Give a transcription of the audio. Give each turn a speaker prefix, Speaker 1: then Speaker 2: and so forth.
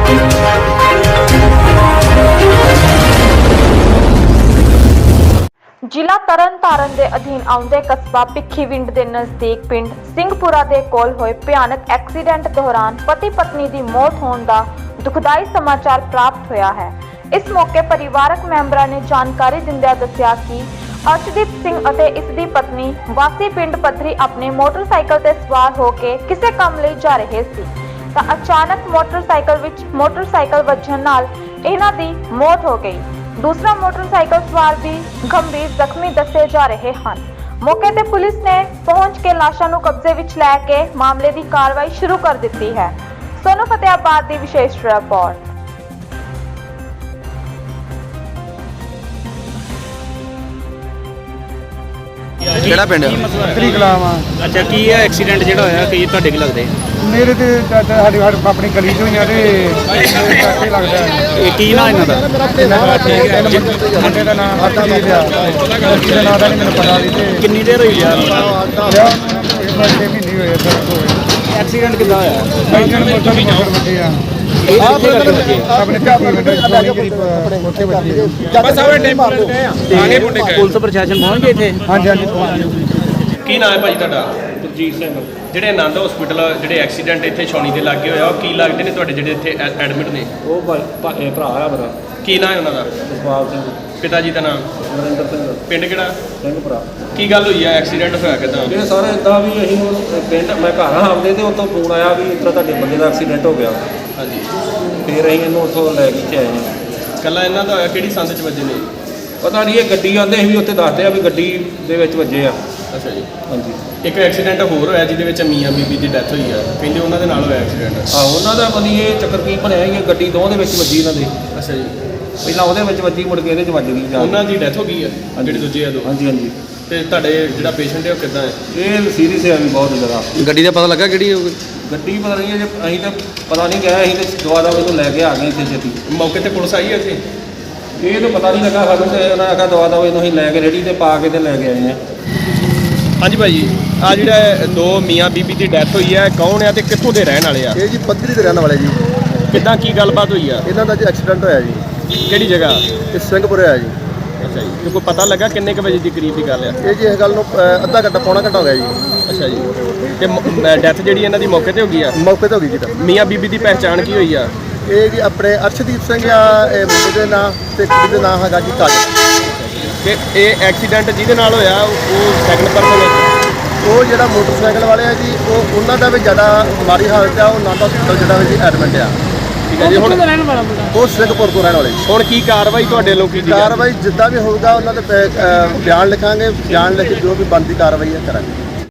Speaker 1: ਜ਼ਿਲ੍ਹਾ ਤਰਨਤਾਰਨ ਦੇ ਅਧੀਨ ਆਉਂਦੇ ਕਸਬਾ ਭਿੱਖੀਵਿੰਡ ਦੇ ਨਜ਼ਦੀਕ ਪਿੰਡ ਸਿੰਘਪੁਰਾ ਦੇ ਕੋਲ ਹੋਏ ਭਿਆਨਕ ਐਕਸੀਡੈਂਟ ਦੌਰਾਨ ਪਤੀ ਪਤਨੀ ਦੀ ਮੌਤ ਹੋਣ ਦਾ ਦੁਖਦਾਈ ਸਮਾਚਾਰ ਪ੍ਰਾਪਤ ਹੋਇਆ ਹੈ। ਇਸ ਮੌਕੇ ਪਰਿਵਾਰਕ ਮੈਂਬਰਾਂ ਨੇ ਜਾਣਕਾਰੀ ਦਿੰਦਿਆਂ ਦੱਸਿਆ ਕਿ ਅਰਸ਼ਦੀਪ ਸਿੰਘ ਅਤੇ ਇਸ ਦੀ ਪਤਨੀ ਵਾਸੀ ਪਿੰਡ ਪੱਥਰੀ ਆਪਣੇ ਮੋਟਰਸਾਈਕਲ ਤੇ ਸਵਾਰ ਹੋ ਕੇ ਕਿਸੇ ਕੰਮ ਲਈ ਜਾ ਰਹੇ ਸੀ ਤਾਂ ਅਚਾਨਕ ਮੋਟਰਸਾਈਕਲ ਵੱਜਣ ਨਾਲ ਇਹਨਾਂ ਦੀ ਮੌਤ ਹੋ ਗਈ। दूसरा मोटरसाइकिल सवार भी गंभीर जख्मी दसे जा रहे हैं। मौके ते पुलिस ने पहुंच के लाशों को कब्जे विच लैके मामले की कार्रवाई शुरू कर दी है। सोनू फतेहाबाद की विशेष रिपोर्ट।
Speaker 2: ਕਿਹੜਾ ਪਿੰਡ
Speaker 3: ਤਰੀ ਕਲਾਮ ਆ।
Speaker 4: ਅੱਛਾ, ਕੀ ਹੈ ਐਕਸੀਡੈਂਟ ਜਿਹੜਾ ਹੋਇਆ ਕੀ ਤੁਹਾਡੇ ਕੀ ਲੱਗਦੇ?
Speaker 3: ਮੇਰੇ ਤੇ ਸਾਡੀ ਆਪਣੀ ਗਲੀ ਚੋਂ ਹੀ ਆ ਤੇ ਲੱਗਦਾ
Speaker 4: ਇਹ ਕੀ ਨਾਂ ਇਹਨਾਂ ਦਾ?
Speaker 3: ਮੁੰਡੇ ਦਾ ਨਾਮ ਹਰਜੀਤ ਆ, ਉਹਦਾ ਨਾਂ ਦਾ ਨਹੀਂ ਮੈਨੂੰ ਪਤਾ। ਤੇ
Speaker 4: ਕਿੰਨੀ ਦੇਰ ਹੋਈ ਯਾਰ
Speaker 3: 6 ਮਹੀਨੇ ਹੋਏ
Speaker 4: ਐਕਸੀਡੈਂਟ ਕਿੱਦਾਂ ਹੋਇਆ?
Speaker 3: ਮੋਟਰ ਵੱਡੇ ਆ ਆਪਣੇ ਉੱਥੇ ਵੱਡੇ।
Speaker 4: ਪੁਲਿਸ ਪ੍ਰਸ਼ਾਸਨ ਪਹੁੰਚ ਗਏ ਇੱਥੇ?
Speaker 3: ਹਾਂਜੀ ਹਾਂਜੀ।
Speaker 5: ਕੀ ਨਾਮ ਹੈ ਭਾਈ ਤੁਹਾਡਾ?
Speaker 4: ਗੁਰਜੀਤ ਸਿੰਘ।
Speaker 5: ਜਿਹੜੇ ਆਨੰਦ ਹਸਪੀਟਲ ਜਿਹੜੇ ਐਕਸੀਡੈਂਟ ਇੱਥੇ ਛਾਉਣੀ ਦੇ ਲਾਗੇ ਹੋਇਆ, ਉਹ ਕੀ ਲੱਗਦੇ ਨੇ ਤੁਹਾਡੇ ਜਿਹੜੇ ਇੱਥੇ ਐਡਮਿਟ ਨੇ?
Speaker 4: ਉਹ ਭਰਾ ਆ ਮੇਰਾ,
Speaker 5: ਕੀ ਨਾਮ ਹੈ ਉਹਨਾਂ ਦਾ?
Speaker 4: ਜਸਪਾਲ ਸਿੰਘ।
Speaker 5: ਪਿਤਾ ਜੀ ਦਾ ਨਾਮ?
Speaker 4: ਨਰਿੰਦਰ ਸਿੰਘ।
Speaker 5: ਪਿੰਡ ਕਿਹੜਾ?
Speaker 4: ਸਿੰਘਪੁਰਾ।
Speaker 5: ਕੀ ਗੱਲ ਹੋਈ ਹੈ? ਐਕਸੀਡੈਂਟ ਹੋਇਆ ਕਿੱਦਾਂ?
Speaker 4: ਇਹ ਸਾਰਾ ਇੱਦਾਂ ਵੀ ਅਸੀਂ ਪਿੰਡ ਮੈਂ ਘਰ ਆਉਂਦੇ ਤੇ ਉੱਥੋਂ ਫੋਨ ਆਇਆ ਵੀ ਇੱਦਾਂ ਤੁਹਾਡੇ ਬੰਦੇ ਦਾ ਐਕਸੀਡੈਂਟ ਹੋ ਗਿਆ।
Speaker 5: ਹਾਂਜੀ,
Speaker 4: ਫਿਰ ਅਸੀਂ ਇਹਨੂੰ ਉੱਥੋਂ ਲੈ ਕੇ ਆਏ ਹਾਂ।
Speaker 5: ਕੱਲਾ ਇਹਨਾਂ ਦਾ ਹੋਇਆ? ਕਿਹੜੀ ਸੰਦ 'ਚ ਵੱਜੇ ਨੇ?
Speaker 4: ਪਤਾ ਨਹੀਂ, ਇਹ ਗੱਡੀ ਆਉਂਦੇ ਸੀ ਉੱਥੇ ਦੱਸਦੇ ਆ ਵੀ ਗੱਡੀ ਦੇ ਵਿੱਚ ਵੱਜੇ ਆ।
Speaker 5: ਅੱਛਾ ਜੀ।
Speaker 4: ਹਾਂਜੀ।
Speaker 5: ਇੱਕ ਐਕਸੀਡੈਂਟ ਹੋਰ ਹੋਇਆ ਜਿਹਦੇ ਵਿੱਚ ਮੀਆਂ ਬੀਬੀ ਦੀ ਡੈਥ ਹੋਈ ਆ, ਕਹਿੰਦੇ ਉਹਨਾਂ ਦੇ ਨਾਲ ਹੋਇਆ ਐਕਸੀਡੈਂਟ।
Speaker 4: ਆਹੋ, ਉਹਨਾਂ ਦਾ ਪਤਾ ਨਹੀਂ ਇਹ ਚੱਕਰ ਕੀ ਬਣਿਆ ਸੀ, ਗੱਡੀ ਦੋਵਾਂ ਦੇ ਵਿੱਚ ਵੱਜੀ ਇਹਨਾਂ ਦੇ।
Speaker 5: ਅੱਛਾ ਜੀ।
Speaker 4: ਪਹਿਲਾਂ ਉਹਦੇ ਵਿੱਚ ਵੱਜੀ, ਮੁੜ ਕੇ ਇਹਦੇ 'ਚ ਵੱਜ ਗਈ ਜਾ।
Speaker 5: ਉਹਨਾਂ ਦੀ ਡੈਥ ਹੋ ਗਈ ਆ ਜਿਹੜੇ ਦੂਜੇ ਆ ਦੋ?
Speaker 4: ਹਾਂਜੀ ਹਾਂਜੀ।
Speaker 5: ਤੇ ਤੁਹਾਡੇ ਜਿਹੜਾ ਪੇਸ਼ੈਂਟ ਹੈ ਉਹ ਕਿੱਦਾਂ ਹੈ?
Speaker 4: ਇਹ ਸੀਰੀਅਸ ਹੈ ਵੀ ਬਹੁਤ ਜ਼ਿਆਦਾ।
Speaker 2: ਗੱਡੀ ਦਾ ਪਤਾ ਲੱਗਾ ਕਿਹੜੀ ਹੋਊਗੀ?
Speaker 4: ਗੱਡੀ ਪਤਾ ਨਹੀਂ ਜੇ ਅਸੀਂ ਤਾਂ ਪਤਾ ਨਹੀਂ ਗਿਆ, ਅਸੀਂ ਤਾਂ ਦੁਆ ਦਾ ਇਹਨੂੰ ਲੈ ਕੇ ਆ ਗਏ ਇੱਥੇ ਛੇਤੀ।
Speaker 5: ਮੌਕੇ ਤੇ ਪੁਲਿਸ ਆਈ ਹੈ ਇੱਥੇ?
Speaker 4: ਇਹ ਤਾਂ ਪਤਾ ਨਹੀਂ ਲੱਗਾ ਸਾਨੂੰ, ਤੇ ਉਹਨਾਂ ਆਖਿਆ ਦੁਆ ਦਾ ਇਹਨੂੰ ਅਸੀਂ ਲੈ ਕੇ ਰੇੜੀ ਤੇ ਪਾ ਕੇ ਤੇ ਲੈ ਕੇ ਆਏ ਹਾਂ।
Speaker 5: ਹਾਂਜੀ ਭਾਈ ਜੀ, ਆ ਜਿਹੜਾ ਦੋ ਮੀਆਂ ਬੀਬੀ ਦੀ ਡੈਥ ਹੋਈ ਹੈ, ਕੌਣ ਆ ਤੇ ਕਿੱਥੋਂ ਦੇ ਰਹਿਣ ਵਾਲੇ ਆ?
Speaker 6: ਇਹ ਜੀ ਪੱਧਰੀ ਦੇ ਰਹਿਣ ਵਾਲੇ ਜੀ।
Speaker 5: ਕਿੱਦਾਂ ਕੀ ਗੱਲਬਾਤ ਹੋਈ ਆ?
Speaker 6: ਇਹਨਾਂ ਦਾ ਜੀ ਐਕਸੀਡੈਂਟ ਹੋਇਆ ਜੀ,
Speaker 5: ਕਿਹੜੀ ਜਗ੍ਹਾ?
Speaker 6: ਇਹ ਸਿੰਘਪੁਰੇ ਹੋਇਆ ਜੀ।
Speaker 5: ਅੱਛਾ ਜੀ। ਤੇ ਕੋਈ ਪਤਾ ਲੱਗਾ ਕਿੰਨੇ ਕੁ ਵਜੇ ਦੀ ਕਰੀਬ ਦੀ ਗੱਲ ਆ?
Speaker 6: ਇਹ ਜੀ ਇਸ ਗੱਲ ਨੂੰ ਅੱਧਾ ਘੰਟਾ ਪੌਣਾ ਘੰਟਾ ਹੋ ਗਿਆ ਜੀ।
Speaker 5: ਅੱਛਾ ਜੀ। ਤੇ ਡੈਥ ਜਿਹੜੀ ਇਹਨਾਂ ਦੀ ਮੌਕੇ ਤੇ ਹੋ ਗਈ ਆ?
Speaker 6: ਮੌਕੇ ਤੇ ਹੋ ਗਈ ਜੀ ਤਾਂ।
Speaker 5: ਮੀਆਂ ਬੀਬੀ ਦੀ ਪਹਿਚਾਣ ਕੀ ਹੋਈ ਆ?
Speaker 6: ਇਹ ਜੀ ਆਪਣੇ ਅਰਸ਼ਦੀਪ ਸਿੰਘ ਆ, ਇਹ ਮੁੰਡੇ ਦੇ ਨਾਂ ਤੇ ਕੁੜੀ ਦੇ ਨਾਂ ਹੈਗਾ ਜੀ ਕਾਜਲ।
Speaker 5: ਕਿ ਇਹ ਐਕਸੀਡੈਂਟ ਜਿਹਦੇ ਨਾਲ ਹੋਇਆ ਉਹ ਸੈਕੰਡ ਪਰਸਨ ਹੈ?
Speaker 6: ਉਹ ਜਿਹੜਾ ਮੋਟਰਸਾਈਕਲ ਵਾਲੇ ਆ ਜੀ, ਉਹਨਾਂ ਦਾ ਵੀ ਜ਼ਿਆਦਾ ਮਾੜੀ ਹਾਲਤ ਆ। ਉਹ ਨਾਂਦਾ ਹਸਪਤਾਲ ਜਿਹੜਾ ਵੀ ਜੀ ਐਡਮਿਟ ਆ।
Speaker 5: ਠੀਕ ਹੈ ਜੀ। ਹੁਣ
Speaker 6: ਉਹ ਸਿੰਘਪੁਰ ਤੋਂ ਰਹਿਣ ਵਾਲੇ ਜੀ।
Speaker 5: ਹੁਣ ਕੀ ਕਾਰਵਾਈ ਤੁਹਾਡੇ ਲੋਕ ਕੀਤੀ?
Speaker 6: ਕਾਰਵਾਈ ਜਿੱਦਾਂ ਵੀ ਹੋਊਗਾ ਉਹਨਾਂ ਦੇ ਬਿਆਨ ਲਿਖਾਂਗੇ, ਬਿਆਨ ਲਿਖ ਕੇ ਜੋ ਵੀ ਬਣਦੀ ਕਾਰਵਾਈ ਹੈ ਕਰਾਂਗੇ।